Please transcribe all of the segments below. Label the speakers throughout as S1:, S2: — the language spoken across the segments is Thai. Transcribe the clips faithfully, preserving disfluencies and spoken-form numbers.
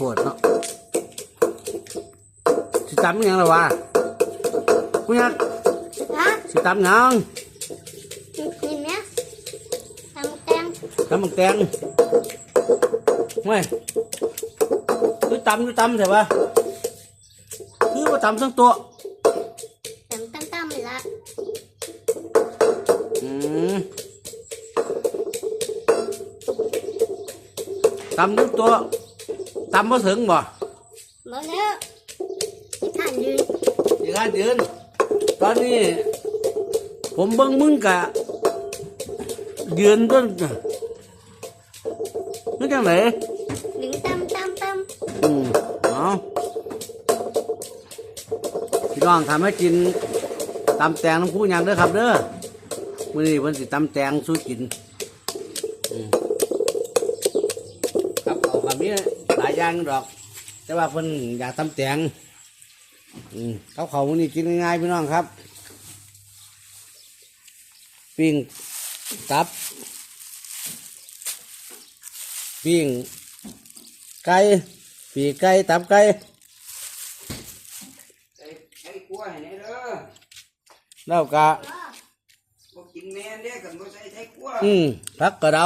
S1: ปวดเนาะสิตำยังล่ะวะกูยักสิตำยัง
S2: นี่เนี่ยตำแตง
S1: ตำบักแตงไม่คือตำคือตำใช่ปะคือว่าตำทั้งตัว
S2: ตำตั้มๆละ
S1: อืมตำทั้งตัวตำมาถึงบ่
S2: มาแล้วที่ท่านยืน
S1: ที่ท่านยืนตอนนี้ผมเบิ่งมึงกะยืนต้นนี่จังไหน
S2: หนึ่งตำตำต
S1: ำอืมเอาพี่น้องทำให้กินตำแตงน้ำคู่ยังเด้อครับเด้อมื้อนี้เพิ่นสิตำแตงสู้กินครับเอาคำนี้หลายอย่างดอกแต่ว่าเพิ่นอยากตำแตงอืมเขาเขามื้อนี้กินง่ายๆพี่น้องครับปิ้งตับปิ้งไก่ปีกไก่ตับไก่
S3: ใส่ใส่กล้วยนี่เด้อ
S1: แล้วก็
S3: บ่กินแม่นเด้อกันบ่ใส่ใส่กล้วย
S1: อืมผักกระเดา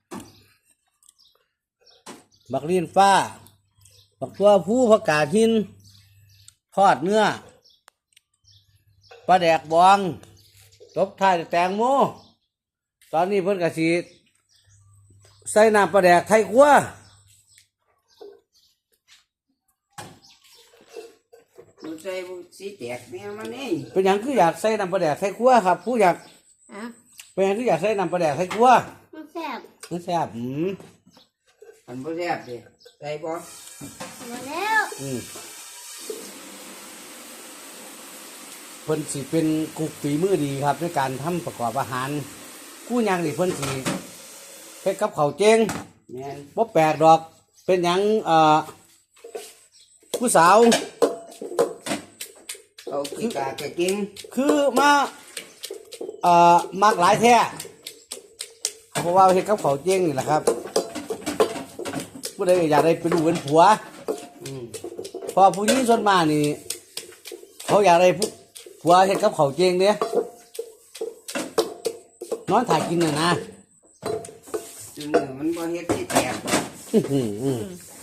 S1: บักลีนฟ้าบักตัวผู้ผักกาดหินทอดเนื้อปลาแดกบองตบท้ายแตงโมตอนนี้เพิ่นกะสิใส่น้ำปลาแดกไทยคั่ว
S3: มันใส่บ่สิแตกแม่มันนี่
S1: เป็นหยังคืออยากใส่น้ำปลาแดกไทยคั่วครับผู้อยาก
S2: อ่ะ
S1: เป็นหยังคืออยากใส่น้ำปลาแดกไทยคั่ว
S2: มันแซ่บ
S1: มันแซ่บอืม
S3: มันบ่แซ่บดิใส่บ่
S2: มาแล้ว
S1: อืมเพิ่นสิเป็นกุ๊กฝีมือดีครับในการทำประกอบอาหารกู้ยังนี่เพิ่นสิเฮ็ดกับข้าวเจง
S3: แม่น
S1: บ่แปลกดอกเป็นหยังเอ่อผู้สาว
S3: เอาขี้กากะกิน
S1: คือมาเอ่อมักหลายแท้เพราะว่าเฮ็ดกับข้าวเจงนี่แหละครับผู้ใดอยากได้เป็นลูกเป็นผัว
S3: อืม
S1: พอผู้หญิงส่วนมากนี่เขาอยากได้ผู้ผัวเฮ็ดกับข้าวเจงเด้นอนถ่ายกินน่ะนะ
S3: ซึ่งมันบ่เฮ็ดสิแตก
S1: อืออืออือ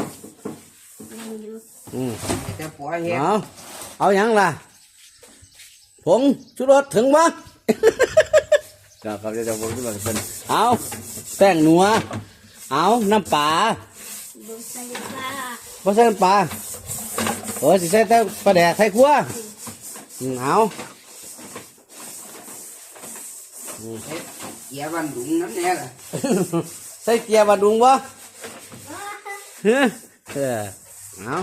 S1: อือ
S3: แต่ผัวเฮ็ด
S1: เอาเอาหยังล่ะผงชูรสถึงบ่ก็ครับจะผงชูรสเพิ่นเอาแป้งนัวเอาน้ำปลา
S2: บ่ใส่ปลา
S1: บ่ใส่น้ำปลาโอ้สิใส่แต่ปลาแดกไทยครัวอือเอา
S3: ใส่เกียร์บันดุงน้ำแน่ล่ะ
S1: ใส่เกียร์บันดุงบ่เฮ้อเออเอา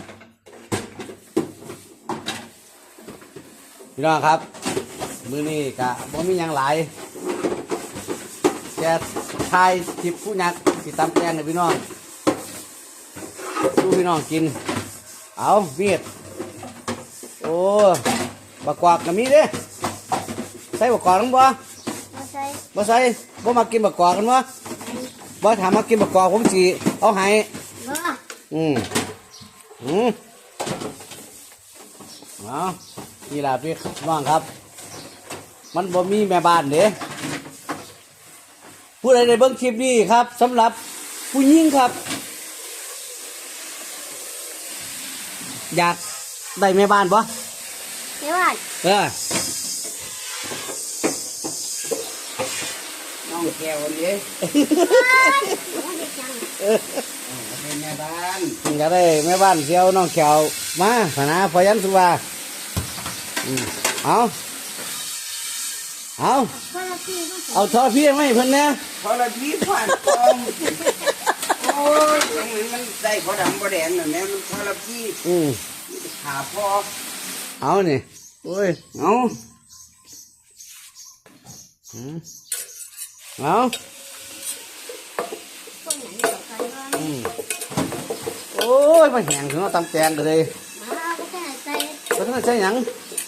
S1: พี่น้องครับมื้อนี้กะบ่มีหยังหลายแค่ทายทิพผู้ยักษ์สิตำแกงให้พี่น้องดูพี่น้องกินเอาเมียดโอ้บักกวาดก็มีเด้ใส่บักกวาดลงบ่
S2: บ่ใส่
S1: บ่ใส่บ่มากินบักกวาดกันบ่บ่ถามมากินบักกวาดผมสิเอาให้
S2: บ่
S1: อืมอืมเอานี่ล่ะพี่น้องครับมันบ่มีแม่บ้านเด้ผู้ใดได้เบิ่งคลิปนี้ครับสำหรับผู้หญิงครับอยากได้แม่บ้านปะ
S2: แม่บ้าน
S1: เออ
S3: น้องแก้วนี่เออเป็นแม่บ้าน
S1: อยากได้แม่บ้านเสียวน้องแขวมาพนาพยัญสุวาเอาเอาเอาทอพี่ไม่เพิ่นเนี่ย
S3: พอละพี่ผ่านกองโอ้ยมันได้พอดำพอแดงน่ะแม่มันพอละพี่
S1: อืม
S3: หาพอ
S1: เอานี่โอ้ยเอาอืมเอาอืมโอ้ยมาแห้งถึงเอาตำแตงกันเลยก็ต้องใช้หยัง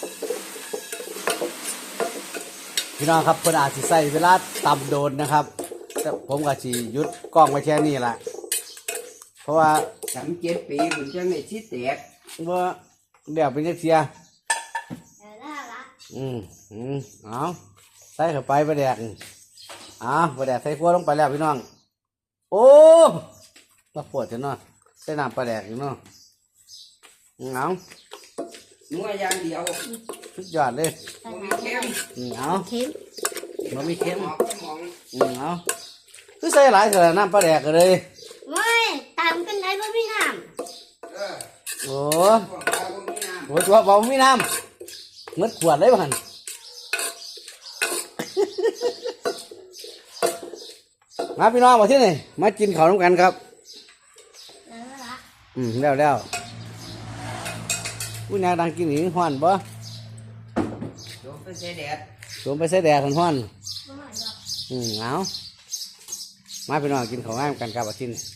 S1: พี่น้องครับเพิ่นอาจสิใส่เวลาตำโดนนะครับแต่ผมก็สิหยุดกล้องไว้แค่นี้แหละเพราะว่า
S3: สามเจ็ดปีมันจะไม่ชิดแตก
S1: ว่าเดี๋ยวเป็นจักเสีย
S2: เดี๋ยวได้ละ
S1: อืมอืมเอาใส่เข้าไปปลาแดกอ่าปลาแดกใส่ขั้วลงไปแล้วพี่น้อง โอ้มาปวดจังเนาะใส่น้ำปลาแดกอยู่เนาะเอา
S3: นัวอย่างเดียว
S1: สุดยอดเลย
S2: ใส่
S3: บ่มี
S2: น้ำ
S3: เค็ม
S1: อืมเอา
S2: เค็ม
S1: มันมีเค็ม
S3: หมอกหมอง
S1: อืมเอาคือใส่หลายเถอะน้ำปลาแดกก็เลย
S2: ไม่ตามกันได้บ่มีน้
S3: เออ
S1: โอ้
S3: พวกเราบ่มีน้ำ
S1: โหตัวเบาไม่น้ำเมื่อขวดเลยพัน มาพี่น้องมาที่นี่มากินข้าวน้ำกันครับ
S2: ำแล้วละ
S1: อืมแล้วแล้วผู้นายดังกินหนิห้อนบ่
S3: โดนไปใส่แดด
S1: สวมไปใส่แดดห้อน
S2: บ่หน่อยดอก
S1: ๆอืมเอามาพี่น้องกินข้าวง่ายกันครับอาทิตย์นี้